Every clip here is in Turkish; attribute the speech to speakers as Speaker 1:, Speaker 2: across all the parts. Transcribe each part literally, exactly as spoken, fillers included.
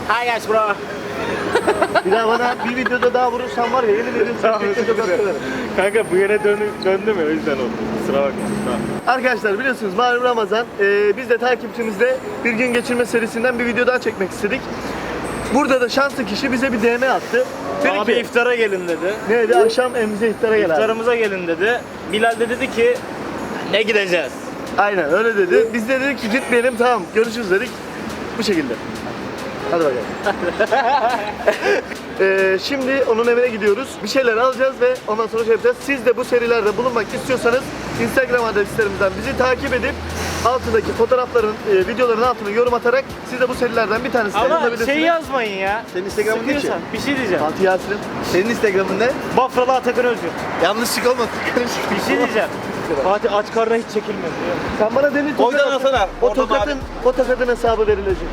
Speaker 1: Hi guys bro.
Speaker 2: Bir daha bana bir videoda daha vurursan var ya yemin ediyorum sana tek tek atıyorum.
Speaker 1: Kanka bu yere döndü, döndü mü? O yüzden oldu. Kusura bakma. Tamam.
Speaker 2: Arkadaşlar biliyorsunuz malum Ramazan. Ee, biz de takipçimizle bir gün geçirme serisinden bir video daha çekmek istedik. Burada da şanslı kişi bize bir D M attı. Dedi
Speaker 1: Abi
Speaker 2: ki,
Speaker 1: iftara gelin dedi.
Speaker 2: neydi? Akşam evimize iftara gel abi.
Speaker 1: İftarımıza gelin dedi. Bilal de dedi ki ne gideceğiz?
Speaker 2: Aynen öyle dedi. Biz de dedik ki gitmeyelim, tamam görüşürüz dedik. Bu şekilde. Hadi bakalım. ee, şimdi onun evine gidiyoruz. Bir şeyler alacağız ve ondan sonra şey yapacağız. Siz de bu serilerde bulunmak istiyorsanız Instagram adreslerimizden bizi takip edip altındaki fotoğrafların, e, videoların altına yorum atarak siz de bu serilerden bir tanesini
Speaker 1: Ama
Speaker 2: bulabilirsiniz.
Speaker 1: şey yazmayın ya.
Speaker 2: Senin Instagram'ın ne ki?
Speaker 1: Sıkıyorsan bir şey diyeceğim.
Speaker 2: Fatih Yasin'im. Senin Instagram'ın ne?
Speaker 1: Bafralı Atakan Özgür.
Speaker 2: Yanlışlık olmasın.
Speaker 1: Bir şey diyeceğim. Fatih aç karnına hiç çekilmez.
Speaker 2: Sen bana demin tokat
Speaker 1: Oradan atsana.
Speaker 2: O
Speaker 1: Oradan
Speaker 2: tokatın, o tokatın hesabı verilecek.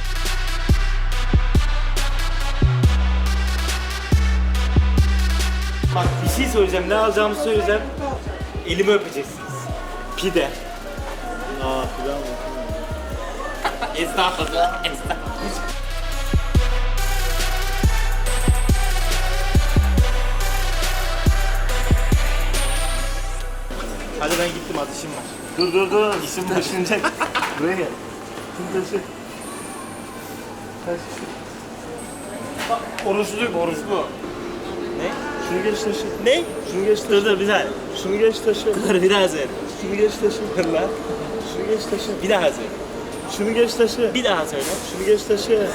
Speaker 1: Bak bir şey söyleyeceğim. Ne alacağımı söyleyeceğim. Elimi öpeceksiniz. Pide. Aa pide mi? Estağfurullah. Estağfurullah. Hadi ben gittim, az işim var.
Speaker 2: Dur dur dur.
Speaker 1: İşim taşınacak.
Speaker 2: Buraya gel. Şimdi taşı. Taş.
Speaker 1: Bak oruçluyum, oruçlu. Ne?
Speaker 2: Şunu geç taşı.
Speaker 1: Ne?
Speaker 2: Şunu geç taşı.
Speaker 1: Dur dur bir saniye.
Speaker 2: Şunu geç taşı.
Speaker 1: Dur biraz ver.
Speaker 2: Şunu geç taşı.
Speaker 1: Dur lan.
Speaker 2: Şunu geç taşı.
Speaker 1: Bir daha söyle.
Speaker 2: Şunu geç taşı.
Speaker 1: Bir daha söyle.
Speaker 2: Şunu geç taşı.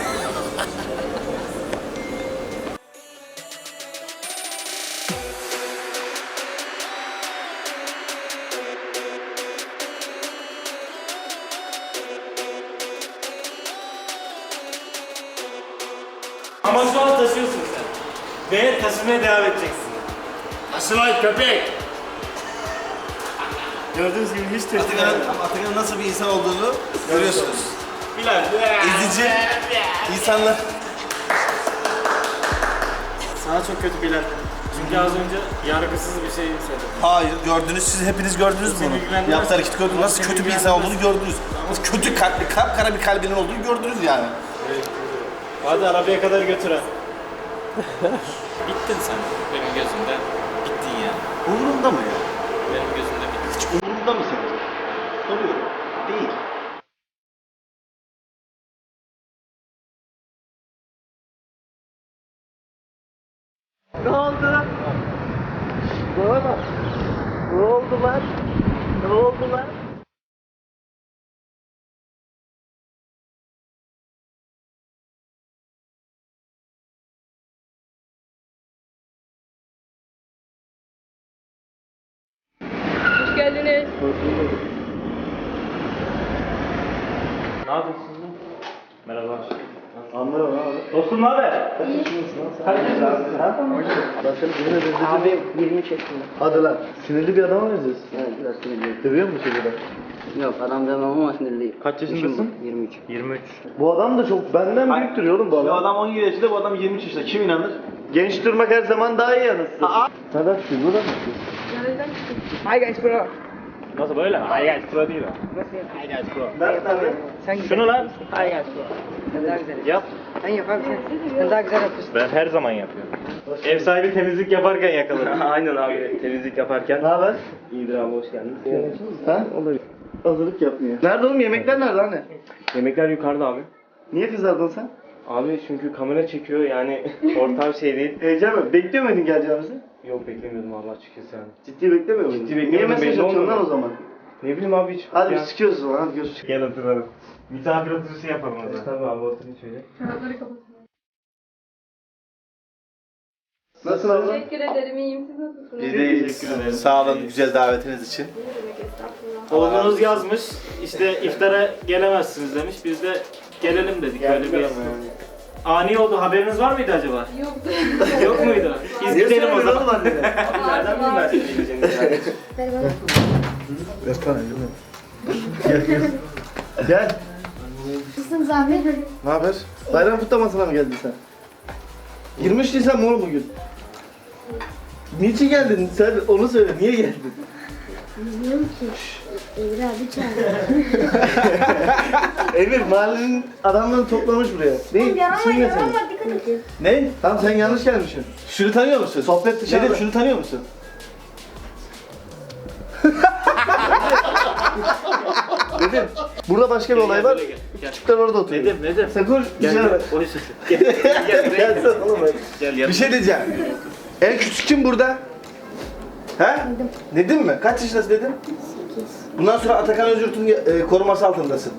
Speaker 1: Ama şu an taşıyorsun sen. Ve taşımaya devam edeceksin. Taşımayın köpek.
Speaker 2: Gördüğünüz gibi hiç taşı.
Speaker 3: Atakan'ın Atakan'ın nasıl bir insan olduğunu görüyorsunuz.
Speaker 1: Bilal.
Speaker 3: İzici insanlar.
Speaker 1: Sana çok kötü Bilal. Çünkü az önce yargısız bir şey söyledim.
Speaker 3: Hayır, gördünüz, siz hepiniz gördünüz
Speaker 1: Seni
Speaker 3: bunu.
Speaker 1: ilgilendirmez.
Speaker 3: Yaptığı hareketi gördünüz. Nasıl
Speaker 1: Seni
Speaker 3: kötü bir insan olduğunu
Speaker 1: ilgilendirmez.
Speaker 3: gördünüz. Nasıl kötü kalpli, kapkara bir kalbinin olduğunu gördünüz yani.
Speaker 1: Hadi arabaya kadar götür ha. Bittin sen. Benim gözümde bittin ya.
Speaker 2: Umurumda mı ya?
Speaker 1: Benim gözümde bittin.
Speaker 2: Hiç umurumda mı senin? Soruyorum. Değil. Ne oldu? Bana bak. Ne oldu lan? Ne oldu lan?
Speaker 4: Hoş geldiniz.
Speaker 1: Ne yapıyorsun lan? Merhaba.
Speaker 2: Anlıyorum abi.
Speaker 1: Dostum ne haber?
Speaker 2: Herkes abi. Ben seni yemin ederim.
Speaker 5: Abi yirmi çektim.
Speaker 2: Hadi lan. Sinirli bir adama benziyorsun.
Speaker 5: Evet biraz sinirliyim.
Speaker 2: Dövüyor musun çocuğu?
Speaker 5: Yok adam demem ama sinirliyim.
Speaker 1: Kaç
Speaker 5: İşim
Speaker 1: yaşındasın?
Speaker 5: bu, yirmi üç.
Speaker 1: yirmi üç.
Speaker 2: Bu adam da çok benden büyük duruyor oğlum bu adam.
Speaker 3: Bu adam on yedi yaşında, bu adam yirmi üç yaşında. Kim inanır?
Speaker 2: Genç durmak her zaman daha iyi anasını. Neden şu? Buradan mı şu?
Speaker 5: Hi guys bro.
Speaker 1: Nasıl böyle? Ay gel pro değil o.
Speaker 5: Nasıl yapıyorsun?
Speaker 1: Ay gel pro.
Speaker 2: Ben tabii.
Speaker 5: Sen güzel.
Speaker 1: Şunu lan.
Speaker 5: Hi guys bro. Sen daha güzel.
Speaker 1: Yap.
Speaker 5: Sen yap abi sen. Sen daha güzel yapıyorsun.
Speaker 1: Ben her zaman yapıyorum. Ev sahibi temizlik yaparken yakaladım. Aynen abi temizlik yaparken.
Speaker 2: Ne haber?
Speaker 1: İyidir abi hoş geldin.
Speaker 2: Ha? Hazırlık yapmıyor. Nerede oğlum? Yemekler nerede anne?
Speaker 1: Yemekler yukarıda abi.
Speaker 2: Niye kızardın sen?
Speaker 1: Abi çünkü kamera çekiyor yani ortam şey değil.
Speaker 2: Heyecan mı? Bekliyor muydun geleceğimizi?
Speaker 1: Yok beklemiyordum Allah açıkçası yani.
Speaker 2: Ciddi beklemiyor muydun?
Speaker 1: Ciddi beklemiyordum,
Speaker 2: Niye mesaj
Speaker 1: belli
Speaker 2: atıyorsun lan
Speaker 1: olmadı.
Speaker 2: o zaman?
Speaker 1: Ne bileyim abi hiç.
Speaker 2: Hadi
Speaker 1: ya.
Speaker 2: biz çıkıyoruz o zaman. Hadi görüşürüz.
Speaker 1: Gel oturalım. Misafir oturuşu yapalım o zaman. Tabii abi oturun şöyle.
Speaker 4: Çorapları kapatın.
Speaker 2: Nasılsın abla?
Speaker 4: Teşekkür ederim. İyiyim. Siz nasılsınız?
Speaker 3: Biz de iyiyiz. Sağ olun güzel davetiniz için.
Speaker 4: Ne demek estağfurullah.
Speaker 1: Oğlunuz yazmış işte iftara gelemezsiniz demiş. Biz de gelelim dedik. Öyle bir ani oldu. Haberiniz var mıydı acaba?
Speaker 4: Yoktu.
Speaker 1: Yok muydu? Biz
Speaker 2: Niye
Speaker 1: gidelim o
Speaker 2: söylüyorsun
Speaker 1: zaman.
Speaker 2: oğlum annene?
Speaker 1: Nereden bileyim ben senin gideceğini yani?
Speaker 2: Ver bana elini. Gel gel. Gel.
Speaker 4: Nasılsınız abi?
Speaker 2: Ne haber? Bayram kutlamasına mı geldin sen? yirmi üç Nisan mı oğlum bugün? Niçin geldin? Sen onu söyle. Niye geldin?
Speaker 6: Bilmiyorum ki. Emre abi çağırdı.
Speaker 2: Emir mahallenin adamlarını toplamış buraya. Ne? İsim ne senin?
Speaker 6: Dikkat et.
Speaker 2: Ne? Tamam sen yanlış gelmişsin.
Speaker 3: Şunu tanıyor musun?
Speaker 2: Sohbet dışarıda.
Speaker 3: Dedim şunu tanıyor musun?
Speaker 2: Dedim. Burada başka bir olay var.
Speaker 1: Gel, gel, gel.
Speaker 2: Küçükler orada oturuyor.
Speaker 1: Nedim, Nedim.
Speaker 2: Sen konuş.
Speaker 1: Gel,
Speaker 2: dışarı.
Speaker 1: gel. O yüzden. Gel, gel, gel, buraya
Speaker 2: Gel
Speaker 1: gel.
Speaker 2: sen oğlum.
Speaker 1: Gel,
Speaker 3: Bir
Speaker 1: yanıma.
Speaker 3: şey diyeceğim. En küçük kim burada? He? Nedim mi? Kaç yaşındasın Nedim?
Speaker 6: Sekiz.
Speaker 3: Bundan sonra Atakan Özgürt'ün e, koruması altındasın.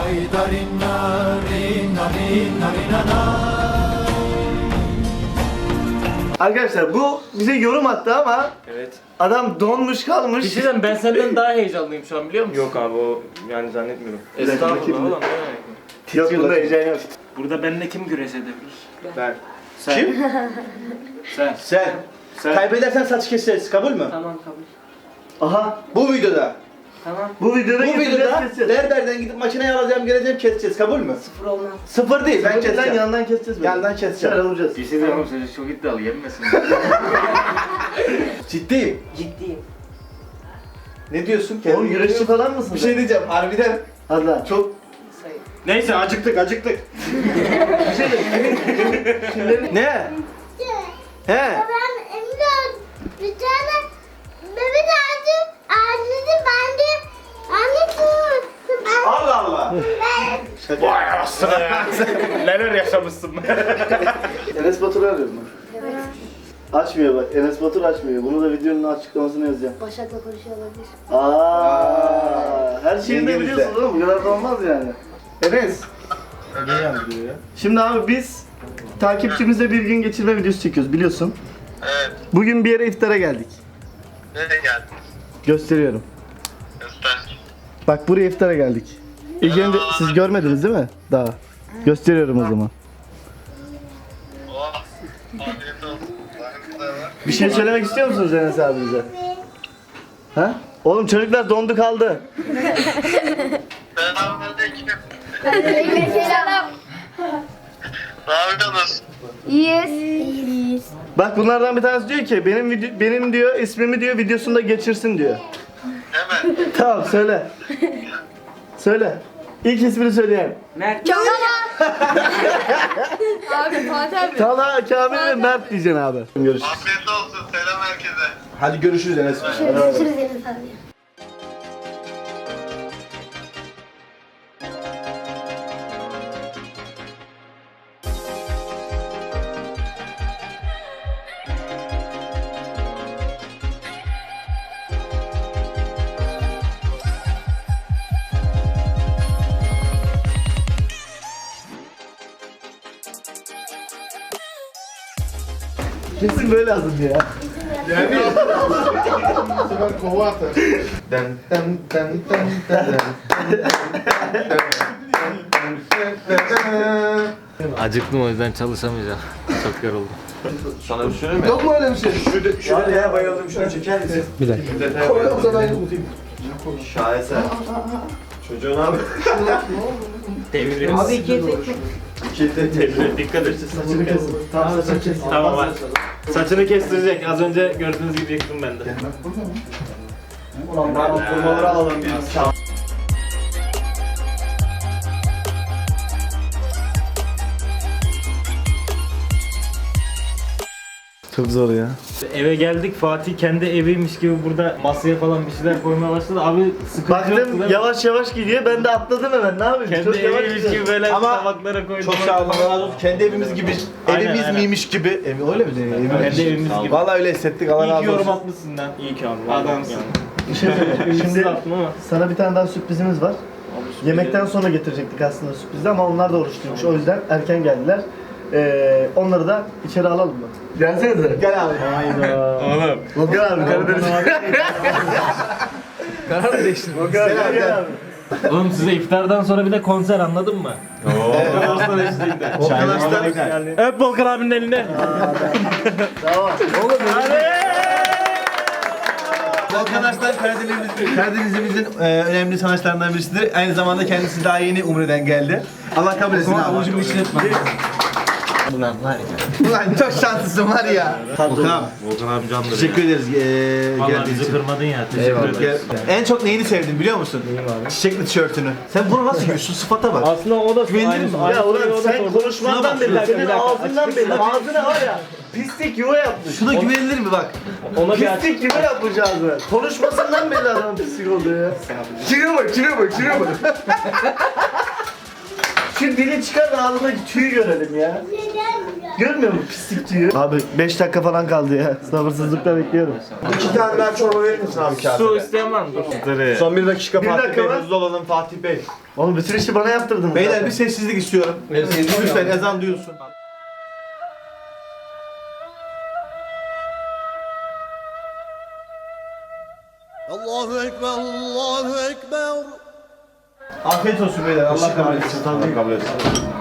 Speaker 2: Arkadaşlar bu bize yorum attı ama
Speaker 1: Evet.
Speaker 2: adam donmuş kalmış.
Speaker 1: Bir şey diyeceğim, ben senden daha heyecanlıyım şu an biliyor musun?
Speaker 7: Yok abi o yani zannetmiyorum.
Speaker 1: Estağfurullah oğlum. ne demek?
Speaker 2: Yok bunda heyecan yok.
Speaker 1: Burada benimle kim güreş edebilir?
Speaker 3: Ben.
Speaker 1: Sen.
Speaker 3: Kim?
Speaker 1: Sen.
Speaker 3: Sen.
Speaker 1: Sen.
Speaker 3: Kaybedersen saç keseriz. Kabul mü?
Speaker 5: Tamam kabul.
Speaker 3: Aha. Bu videoda.
Speaker 5: Tamam.
Speaker 2: Bu videoda
Speaker 3: Bu
Speaker 2: getireceğiz,
Speaker 3: videoda
Speaker 2: keseceğiz.
Speaker 3: Lerder'den gidip makineyi alacağım, geleceğim, keseceğiz. Kabul mü?
Speaker 5: Sıfır olmaz.
Speaker 3: Sıfır değil. Ben
Speaker 2: Ben
Speaker 3: keseceğim.
Speaker 2: yandan keseceğiz. böyle.
Speaker 3: Yandan keseceğim.
Speaker 2: Şöyle vuracağız.
Speaker 1: Bir şey diyeceğim, çocuk çok iddialı, yenmesin.
Speaker 3: Ciddiyim.
Speaker 5: Ciddiyim.
Speaker 3: Ne diyorsun?
Speaker 2: Oğlum güreşçi falan mısın?
Speaker 3: Bir şey diyeceğim. Harbiden
Speaker 2: Hadi lan.
Speaker 3: çok...
Speaker 5: Sayın.
Speaker 1: Neyse, acıktık, acıktık.
Speaker 3: Ne? He.
Speaker 6: Ben Emre bir tane bebek ağacı ağacını ben de annesini ben
Speaker 3: Allah Allah.
Speaker 1: Vay aslında ya. Neler yaşamışsın.
Speaker 2: Enes Batur'u arıyorum ben. Açmıyor bak. Enes Batur açmıyor. Bunu da videonun açıklamasını yazacağım.
Speaker 6: Başak'la konuşuyor olabilir.
Speaker 2: Aa, her şeyi de
Speaker 3: İngilizce.
Speaker 2: biliyorsun oğlum. Bu kadar da olmaz yani. Enes. Şimdi abi biz takipçimizle bir gün geçirme videosu çekiyoruz biliyorsun.
Speaker 8: Evet,
Speaker 2: Bugün bir yere iftara geldik.
Speaker 8: nereye geldin?
Speaker 2: Gösteriyorum.
Speaker 8: Göster.
Speaker 2: Bak buraya iftara geldik. İlk önce siz görmediniz değil mi? Daha. Gösteriyorum o zaman.
Speaker 8: Oh, afiyet olsun. Bakın da var.
Speaker 2: Bir şey söylemek istiyor musunuz Enes abinize? Ha? Oğlum çocuklar dondu kaldı.
Speaker 8: Selamünaleyküm.
Speaker 6: Selam.
Speaker 8: Ne yapıyorsunuz?
Speaker 6: İyiyiz. İyiyiz.
Speaker 2: Bak bunlardan bir tanesi diyor ki benim video, benim diyor ismimi diyor videosunda geçirsin diyor.
Speaker 8: Hemen.
Speaker 2: Tamam söyle. Söyle. İlk ismini söyleyen.
Speaker 5: Mert.
Speaker 4: Abi Fatih abi.
Speaker 2: Talha, Kamil ve Mert diyeceksin abi. Görüşürüz.
Speaker 8: Afiyet olsun. Selam herkese.
Speaker 3: Hadi görüşürüz Enes.
Speaker 6: Görüşürüz Enes abi.
Speaker 2: Kesin böyle lazım ya.
Speaker 3: Den den den den den.
Speaker 1: Acıktım, o yüzden çalışamayacağım. Çok yoruldum.
Speaker 3: Sana bir söyleyeyim mi? Yok mu öyle bir şey? Şurada, şurada ya bayıldım. Şunu çeker misin? Bir dakika. Koy o zaman tutayım. Şaheser. Çocuğun abi.
Speaker 1: Deviririz.
Speaker 5: Abi ikiye tek.
Speaker 1: Devir, dikkat et. Saçını kes. Tamam, saçını kes. Tamam var. Saçını kestirecek. Az önce gördüğünüz gibi yıktım ben de.
Speaker 3: Ulan ben o kurmaları alalım biz.
Speaker 2: Çok zor ya.
Speaker 1: Eve geldik, Fatih kendi eviymiş gibi burada masaya falan bir şeyler koymaya başladı. Abi sıkıntı yoktu değil
Speaker 2: Baktım
Speaker 1: mi?
Speaker 2: yavaş yavaş gidiyor ben de atladım hemen ne yapayım?
Speaker 1: Kendi
Speaker 2: Çok yavaş
Speaker 1: eviymiş
Speaker 2: gidiyor.
Speaker 1: gibi böyle
Speaker 3: Ama
Speaker 1: tabaklara koydum.
Speaker 3: Çok sağ olun. Allah razı olsun. Kendi evimiz gibi.
Speaker 1: Aynen,
Speaker 3: evimiz
Speaker 1: aynen.
Speaker 3: miymiş gibi. Evi öyle mi?
Speaker 1: Kendi evimiz gibi.
Speaker 3: Vallahi öyle hissettik. Allah
Speaker 1: İyi ki
Speaker 3: razı
Speaker 1: yorum
Speaker 3: olsun.
Speaker 1: atmışsın lan. İyi ki abi. Adamsın.
Speaker 2: Bir şey söyleyeyim.
Speaker 1: Şimdi
Speaker 2: Şimdi
Speaker 1: attım ama.
Speaker 2: sana bir tane daha sürprizimiz var. Yemekten sonra getirecektik aslında sürprizi ama onlar da oruçluymuş. O yüzden erken geldiler. Ee, onları da içeri alalım mı? Gelsenize.
Speaker 3: Gel abi.
Speaker 1: Oğlum.
Speaker 2: Volkan abi Karadeniz.
Speaker 3: Karar mı değiştirdin?
Speaker 2: Volkan abi gel abi.
Speaker 1: Oğlum size iftardan sonra bir de konser, anladın mı? Ooo.
Speaker 3: Arkadaşlar.
Speaker 1: Öp Volkan abinin elini.
Speaker 2: Tamam. Oğlum
Speaker 3: Volkan Arslan Karadeniz'imizin, Karadeniz'imizin e, önemli sanatçılarından birisidir. Aynı zamanda kendisi daha yeni Umre'den geldi. Allah kabul etsin abi. Avucumu işletme.
Speaker 9: Ulan var ya. Ulan çok şanslısın var ya. Volkan.
Speaker 7: Volkan abi candır.
Speaker 9: Teşekkür ederiz. Ee,
Speaker 1: Vallahi
Speaker 9: geldiğin
Speaker 1: bizi
Speaker 9: için.
Speaker 1: kırmadın ya. Teşekkür
Speaker 9: Eyvallah.
Speaker 1: ederiz.
Speaker 9: Gel- En çok neyini sevdin biliyor musun? Çiçekli tişörtünü. Sen bunu nasıl giyiyorsun? Şu sıfata bak.
Speaker 1: Aslında o da
Speaker 9: Güvenilir
Speaker 1: aynı-
Speaker 9: misin?
Speaker 1: aynı
Speaker 2: Ya ulan
Speaker 1: soruyu o da
Speaker 2: sen
Speaker 1: sordu.
Speaker 2: konuşmandan
Speaker 9: Şuna bak,
Speaker 2: belli.
Speaker 9: bir dakika,
Speaker 2: Senin
Speaker 9: bir dakika.
Speaker 2: ağzından belli.
Speaker 9: Açıkçası-
Speaker 2: Ağzına var ya pislik yuva yapmış.
Speaker 9: Şuna güvenilir mi bak?
Speaker 1: Ona bir aç.
Speaker 2: Pislik yuva yapmış ağzına. Konuşmasından belli adamın pislik olduğu ya. Çürüyor bak, çürüyor bak, çürüyor bak. Şu dili çıkar da ağzındaki tüyü görelim ya. Görmüyor musun pislik tüyü? Abi beş dakika falan kaldı ya. Sabırsızlıkla bekliyorum.
Speaker 3: İki tane daha çorba verir misin abi kağıda?
Speaker 1: Su isteyen var mı? Dur.
Speaker 3: Son bir dakika
Speaker 2: Bir
Speaker 3: Fatih
Speaker 2: dakika
Speaker 3: Bey.
Speaker 2: var.
Speaker 3: Hızlı olalım Fatih Bey.
Speaker 2: Oğlum bütün işi bana yaptırdınız.
Speaker 9: Beyler
Speaker 2: zaten.
Speaker 9: bir sessizlik istiyorum. Lütfen ezan duyulsun.
Speaker 10: Allahu Ekber, Allahu Ekber.
Speaker 9: Afiyet olsun beyler. Allah kabul etsin.
Speaker 3: Allah kabul etsin.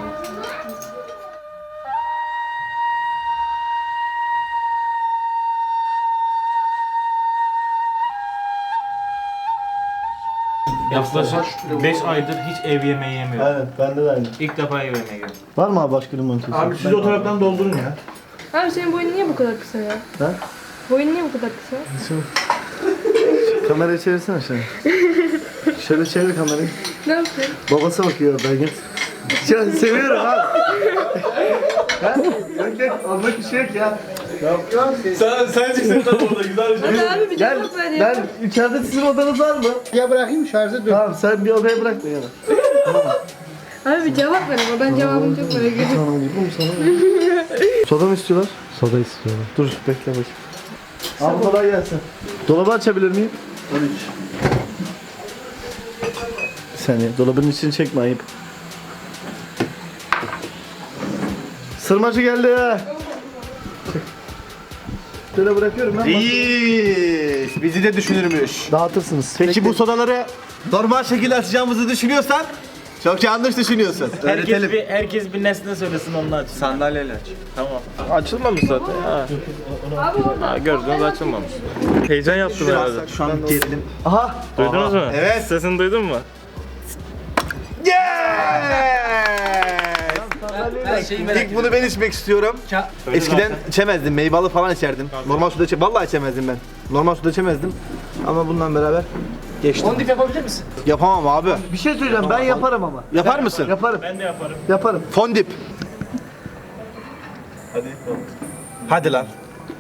Speaker 1: Yaklaşık beş aydır hiç ev yemeği yemiyorum.
Speaker 2: Aynen bende de aynı.
Speaker 1: İlk defa ev yemeği yiyorum.
Speaker 2: Var mı abi başka limon kesiyor?
Speaker 9: Abi siz o taraftan doldurun ya.
Speaker 4: Abi senin boyun niye bu kadar kısa ya?
Speaker 2: Ha?
Speaker 4: Boyun niye bu kadar kısa?
Speaker 2: Kamerayı çevirsene şöyle. Şöyle çevir kamerayı.
Speaker 4: Ne yapıyorsun?
Speaker 2: Babası bakıyor oradan git. Ya seviyorum abi. Ha? Yok yok olmak bir şey yok ya.
Speaker 9: Sen, sen çıksın tam orada güzel bir şey.
Speaker 4: Hadi abi bir
Speaker 2: Gel
Speaker 4: cevap ver ya.
Speaker 2: ben içeride sizin odanız var mı?
Speaker 10: Ya bırakayım şarjı dur.
Speaker 2: Tamam sen bir odaya bırak beni.
Speaker 4: Abi bir cevap ver ama ben cevabını çok merak ediyorum.
Speaker 2: Sana vurdum sana. Soda mı istiyorlar? Soda istiyorlar. Dur bekle bakayım. Abi kolay gelsin. Dolabı açabilir miyim? Tabii ki. Bir saniye dolabın içini çekme ayıp. Sırmacı geldi ya. Şöyle bırakıyorum ben.
Speaker 9: Reis bizi de düşünürmüş.
Speaker 2: Dağıtırsınız.
Speaker 9: Peki bu sodaları normal şekilde açacağımızı düşünüyorsan çok yanlış düşünüyorsun.
Speaker 1: Herkes bir, herkes bir nesne söylesin onun aç.
Speaker 7: Sandalyeyle aç.
Speaker 1: Tamam. Açılmamış zaten. Ha.
Speaker 4: Abi orada.
Speaker 1: Ha, gördünüz açılmamış. Heyecan yaptım herhalde.
Speaker 9: Şu an gerilim.
Speaker 2: Aha.
Speaker 1: Duydunuz mu?
Speaker 9: Evet.
Speaker 1: Sesini duydun mu?
Speaker 9: İlk bunu ben içmek istiyorum. Eskiden içemezdim. Meyveli falan içerdim. Normal suda içe vallahi içemezdim ben. Normal suda içemezdim. Ama bundan beraber geçtim.
Speaker 5: Fondip yapabilir misin?
Speaker 9: Yapamam abi.
Speaker 2: Bir şey söyleyeceğim ben yaparım ama.
Speaker 9: Yapar mısın?
Speaker 2: Yaparım.
Speaker 1: Ben de yaparım.
Speaker 2: Yaparım.
Speaker 9: Fondip. Hadi. Hadi lan.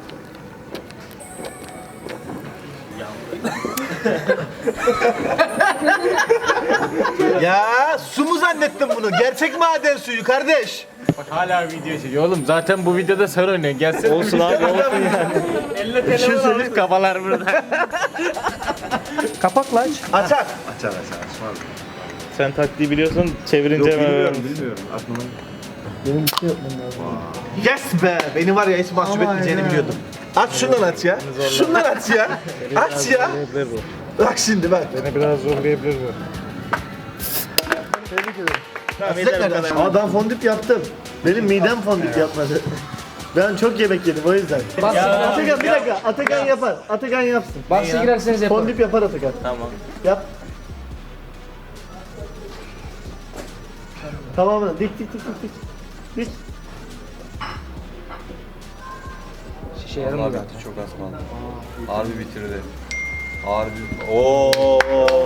Speaker 9: Ya su mu zannettin bunu? Gerçek maden suyu kardeş.
Speaker 1: Hala video çekiyor oğlum. Zaten bu videoda sen oynuyorsun. Gelsin. Olsun abi olsun yani. Elle telefon almış kafalar burada.
Speaker 2: Kapak lan.
Speaker 9: Açar.
Speaker 3: Açar açar açmaz.
Speaker 1: Sen taktiği biliyorsun. Çevirince hemen öğrendim.
Speaker 3: bilmiyorum. Aklıma.
Speaker 2: Benim bir şey yapmam lazım.
Speaker 9: Yes be. Beni var ya hiç mahcup etmeyeceğini biliyordum. Aç şundan aç ya. Şundan aç ya. Aç ya. Bak şimdi bak.
Speaker 1: Beni biraz zorlayabilir bu.
Speaker 2: Sıcak nereden? Aa ben fondip yaptım. Benim midem fondip yapmadı. Ben çok yemek yedim o yüzden. Atakan bir dakika. Atakan yapar. Atakan yapsın.
Speaker 5: Bahse girerseniz yapalım.
Speaker 2: Fondip yapar Atakan.
Speaker 1: Tamam.
Speaker 2: Yap. Tamamını dik dik dik dik dik. Dik.
Speaker 5: Şişe yaramadı.
Speaker 3: Çok az kaldı. Harbi bitirdi. Harbi. Oo.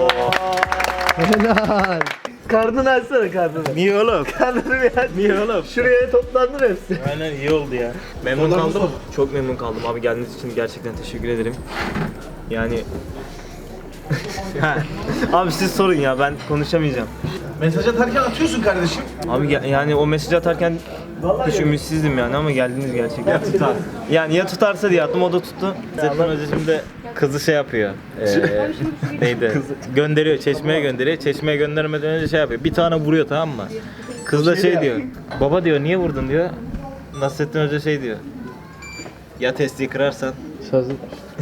Speaker 2: Helal. Karnını açsana karnını.
Speaker 1: Niye oğlum?
Speaker 2: Karnını bir aç.
Speaker 1: Niye oğlum?
Speaker 2: Şuraya toplandır hepsi.
Speaker 1: Aynen iyi oldu ya. Memnun kaldım. Çok memnun kaldım abi geldiğiniz için gerçekten teşekkür ederim. Yani abi siz sorun ya ben konuşamayacağım.
Speaker 9: Mesaj atarken atıyorsun kardeşim.
Speaker 1: Abi ge- yani o mesaj atarken hiç ümitsizdim yani ama geldiniz gerçekten. Ya tutar. Yani ya tutarsa diye attım o da tuttu. Zaten Hoca şimdi kızı şey yapıyor. Ee, neydi? Gönderiyor, çeşmeye gönderiyor. Çeşmeye göndermeden önce şey yapıyor. Bir tane vuruyor tamam mı? Kız da şey diyor. Baba diyor niye vurdun diyor. Nasrettin Hoca şey diyor. Ya testiyi kırarsan.
Speaker 2: Sözlü.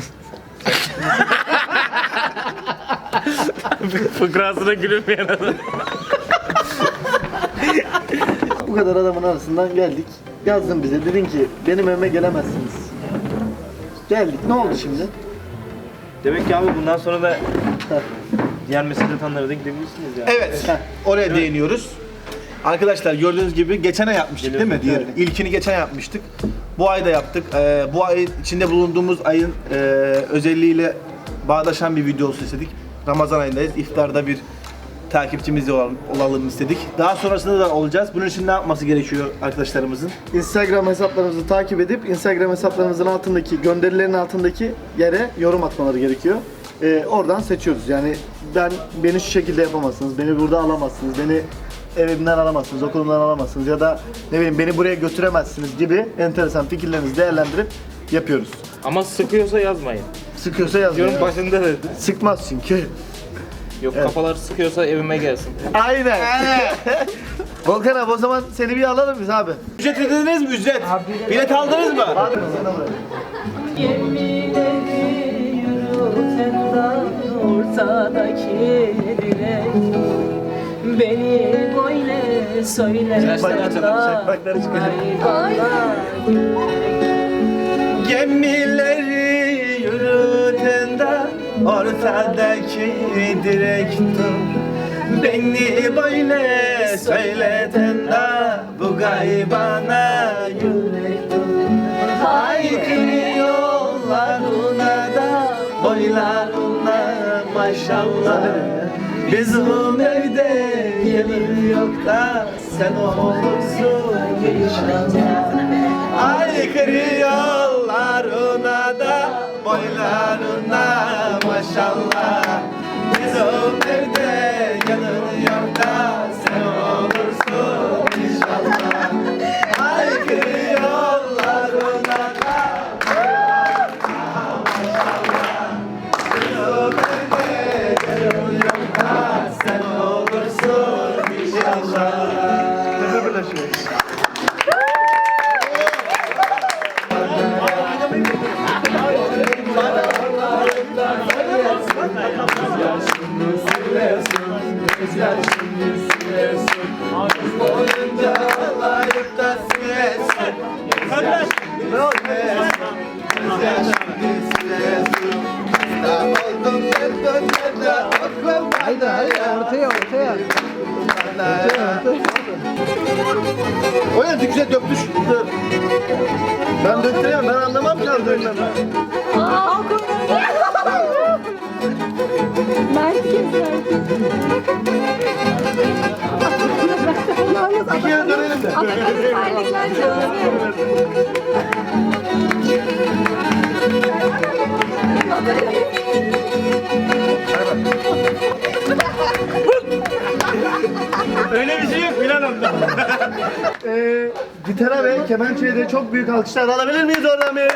Speaker 1: Fıkrasına gülünmeyen adam.
Speaker 2: Bu kadar adamın arasından geldik. Yazdın bize dedin ki benim evime gelemezsiniz. Geldik ne oldu şimdi?
Speaker 1: Demek ki abi bundan sonra da diğer meslek tanrılara da gidebilirsiniz yani.
Speaker 9: Evet. Oraya değiniyoruz. Arkadaşlar gördüğünüz gibi geçen ay yapmıştık değil mi? Diğerini. İlkini geçen ay yapmıştık. Bu ay da yaptık. Ee, bu ay içinde bulunduğumuz ayın e, özelliğiyle bağdaşan bir video olsun istedik. Ramazan ayındayız. İftarda bir takipçimiz olalım, olalım istedik. Daha sonrasında da olacağız. Bunun için ne yapması gerekiyor arkadaşlarımızın?
Speaker 2: Instagram hesaplarımızı takip edip Instagram hesaplarımızın altındaki gönderilerin altındaki yere yorum atmaları gerekiyor. Ee, oradan seçiyoruz. Yani ben beni şu şekilde yapamazsınız, beni burada alamazsınız, beni evimden alamazsınız, okulumdan alamazsınız ya da ne bileyim beni buraya götüremezsiniz gibi enteresan fikirlerinizi değerlendirip yapıyoruz.
Speaker 1: Ama sıkıyorsa yazmayın.
Speaker 2: Sıkıyorsa yazmayın.
Speaker 1: Yorum başında dedi.
Speaker 2: Sıkmaz çünkü.
Speaker 1: Yok kafalar sıkıyorsa evime gelsin.
Speaker 2: Aynen. Volkan abi o zaman seni bir alalım biz abi.
Speaker 9: Ücret ödediniz mi? Ücret. Bilet aldınız mı?
Speaker 2: Abi.
Speaker 5: Ortadaki direk beni böyle söyle
Speaker 2: Şakmakları çıkacak.
Speaker 9: Gemileri yürüten de ortadaki direk tut. Beni böyle söyleten de bu gaybana yürek tut. Haykırı yollarına da boylarına maşallah. Bizim evde gelir yok da sen olursun inşallah. Aykırı yollarına da boylarına maşallah. Bizim evde gelir yok da sen olursun inşallah. Aykırı yollarına da boylarına maşallah. Bizim evde gelir yok da sen olursun inşallah.
Speaker 5: Haydi haydi ortaya ortaya.
Speaker 2: O ya güzel döktü şu. Dur. Ben döktüremem, ben anlamam ki aldığından.
Speaker 4: Mert keser.
Speaker 2: Bir kere dönelim de.
Speaker 4: Terlikler çalışıyor.
Speaker 1: Öyle bir şey yok Bilal amca.
Speaker 2: Ee, gitara ve kemençeye de çok büyük alkışlar alabilir miyiz oradan bir?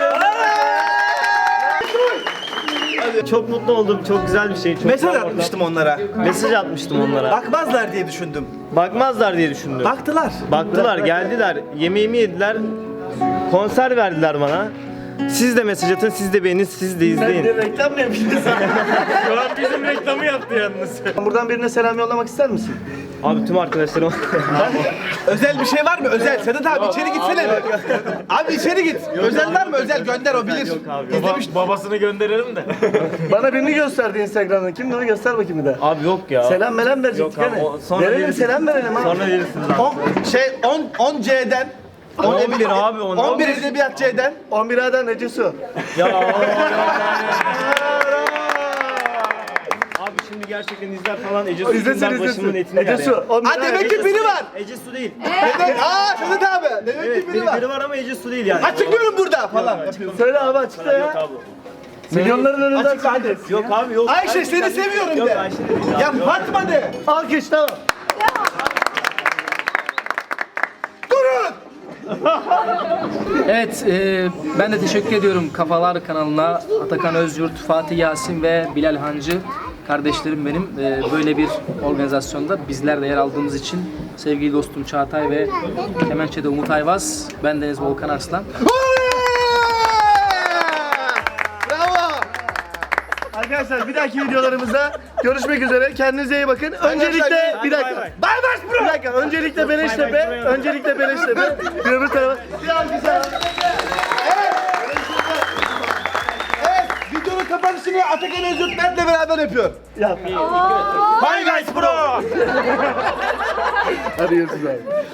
Speaker 1: Çok mutlu oldum. Çok güzel bir şey. Çok
Speaker 9: Mesaj
Speaker 1: güzel
Speaker 9: atmıştım onlara.
Speaker 1: ortam. Mesaj atmıştım onlara.
Speaker 9: Bakmazlar diye düşündüm.
Speaker 1: Bakmazlar diye düşündüm.
Speaker 9: Baktılar.
Speaker 1: Baktılar, geldiler. Yemeğimi yediler. Konser verdiler bana. Siz de mesaj atın, siz de beğenin, siz de
Speaker 2: Sen de
Speaker 1: izleyin.
Speaker 2: reklam mı yapıyorsun?
Speaker 1: Şu an bizim reklamı yaptı yalnız.
Speaker 2: Buradan birine selam yollamak ister misin?
Speaker 1: Abi tüm arkadaşlarım...
Speaker 9: Özel bir şey var mı? Özel. Sedat abi içeri gitsene. Abi içeri git. Özel var mı? Özel gönder o bilir.
Speaker 1: Yok abi.
Speaker 9: İzlemiş.
Speaker 1: Babasını gönderirim de.
Speaker 2: Bana birini gösterdi Instagram'dan. Kimdi onu göster bakayım bir de.
Speaker 1: Abi yok ya.
Speaker 2: Selam melam verecektik
Speaker 1: Yok abi,
Speaker 2: hani.
Speaker 1: o- sonra
Speaker 2: Verelim
Speaker 1: verirsin.
Speaker 2: selam verelim abi.
Speaker 1: Sonra verirsiniz abi.
Speaker 9: on, şey on on C'den
Speaker 1: on bir abi, on-
Speaker 9: on bir edebiyat C'den
Speaker 2: on bir A'dan Ece Su.
Speaker 1: Ya Abi şimdi gerçekten izler falan Ece Su
Speaker 2: İzlesin
Speaker 1: içinden başımın
Speaker 2: izlesin.
Speaker 1: etini
Speaker 2: Ece
Speaker 1: yer
Speaker 2: Su.
Speaker 1: ya.
Speaker 2: on bir
Speaker 9: Ha
Speaker 2: A-
Speaker 9: demek ki biri var.
Speaker 1: Ece Su değil.
Speaker 9: Demek, aa Sedat abi. Demek
Speaker 1: Evet
Speaker 9: ki biri
Speaker 1: biri,
Speaker 9: var.
Speaker 1: biri var ama Ece Su değil yani.
Speaker 9: Açıklıyorum burada falan. yapıyorum.
Speaker 2: Söyle abi açıkla
Speaker 1: Yok
Speaker 2: ya.
Speaker 1: abi.
Speaker 2: Milyonların önünde
Speaker 9: Açıkla
Speaker 2: açıkla.
Speaker 9: hadi.
Speaker 1: Yok abi yok.
Speaker 9: Ayşe seni seviyorum
Speaker 1: Yok
Speaker 9: de.
Speaker 1: Ayşe de değil abi.
Speaker 9: Ya
Speaker 1: yok.
Speaker 9: Fatma de.
Speaker 2: Alkış tamam.
Speaker 9: Durun.
Speaker 5: Evet, e, ben de teşekkür ediyorum Kafalar kanalına, Atakan Özyurt, Fatih Yasin ve Bilal Hancı kardeşlerim benim. E, böyle bir organizasyonda bizler de yer aldığımız için sevgili dostum Çağatay ve Kemençe'de Umut Ayvaz, ben Deniz Volkan Arslan.
Speaker 9: Bravo.
Speaker 2: Arkadaşlar bir dahaki videolarımızda görüşmek üzere. Kendinize iyi bakın. Öncelikle bir dakika.
Speaker 1: bay.
Speaker 9: Bay baş bro.
Speaker 2: Bir dakika. Öncelikle Beleştepe. Öncelikle Beleştepe. Bir öbür tarafa. Bir alkış.
Speaker 9: Evet. Videonun kapanışını Atakan Özgürt Mert'le beraber yapıyor.
Speaker 2: Yap.
Speaker 9: Hi guys bro.
Speaker 2: Hadi görüşürüz abi.